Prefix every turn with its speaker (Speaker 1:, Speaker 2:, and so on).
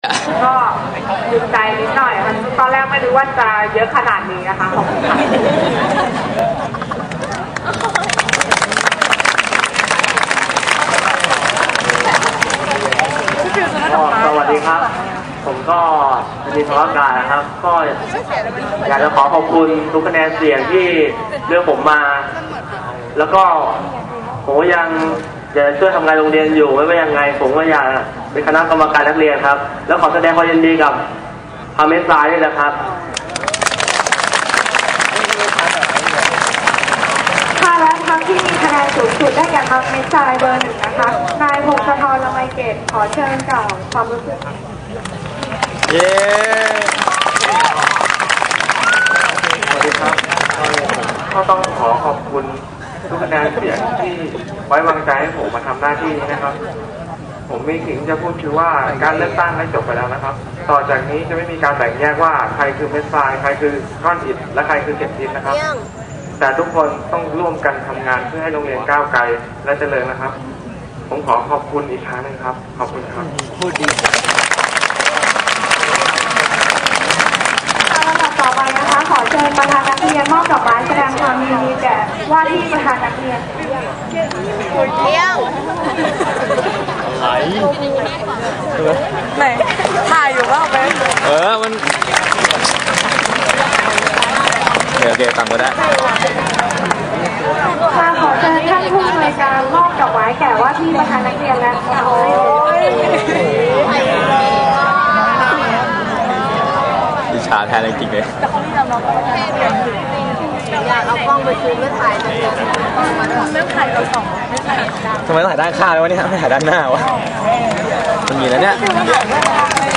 Speaker 1: ก็ดีใจนิดหน่อยค่ะตอนแรกไม่รู้ว่าจะเยอะขนาดนี้นะคะขอบคุณค่ะ
Speaker 2: สวัสดีครับผมก็มีสวัสดิการนะครับก็อยากจะขอขอบคุณทุกคะแนนเสียงที่เลือกผมมาแล้วก็ผมก็ยังจะช่วยทำงานโรงเรียนอยู่ไม่ว่ายังไงผมก็อยากเป็นคณะกรรมการนักเรียนครับแล้วขอแสดงความยินดีกับพาเมสซายด้วยนะครับ
Speaker 1: ค่ะและทั้งที่มีคะแนนสูงสุดได้แก่พาเมสซายเบอร์ 1นะคะนายพงศธร ละไมเกตขอเชิญกล่าวความรู้สึก
Speaker 2: เย้สวัสดีครับก็ต้องขอขอบคุณทุกคะแนนเสียงที่ไว้วางใจให้ผมมาทำหน้าที่นี้นะครับผมมีสิ่งจะพูดคือว่าการเลือกตั้งได้จบไปแล้วนะครับต่อจากนี้จะไม่มีการแบ่งแยกว่าใครคือเม็ดทรายใครคือก้อนอิฐและใครคือเกล็ดดินนะครับแต่ทุกคนต้องร่วมกันทำงานเพื่อให้โรงเรียนก้าวไกลและเจริญนะครับผมขอขอบคุณอีกครั้งนึงครับขอบคุณครับพูดดี
Speaker 1: ต่อไปนะคะขอเชิญประธานนักเรียนมอบดอกไม้แสดงความยินดีแก่ว่าที่ประธานนักเรียน
Speaker 3: เที่ยว
Speaker 4: ไหนถ่ายอยู่ว่าไหม
Speaker 5: มันโอเคต่ำก็ได้
Speaker 1: ค่ะขอเชิญท่านผู้อำนวยการมอบดอกไม้แก่ว่าที่ประธานนักเรียนและ
Speaker 5: ดิชาแทนจริงๆเลย
Speaker 3: อยากเอากล้องไปซูมไม่ถ่ายเลยไม่ถ่ายเราสองไม่ถ่าย
Speaker 5: ทำไมต้องถ่ายด้านข้างเลยวะเนี่ยไม่ถ่ายด้านหน้าวะมันมีแล้วเนี่ย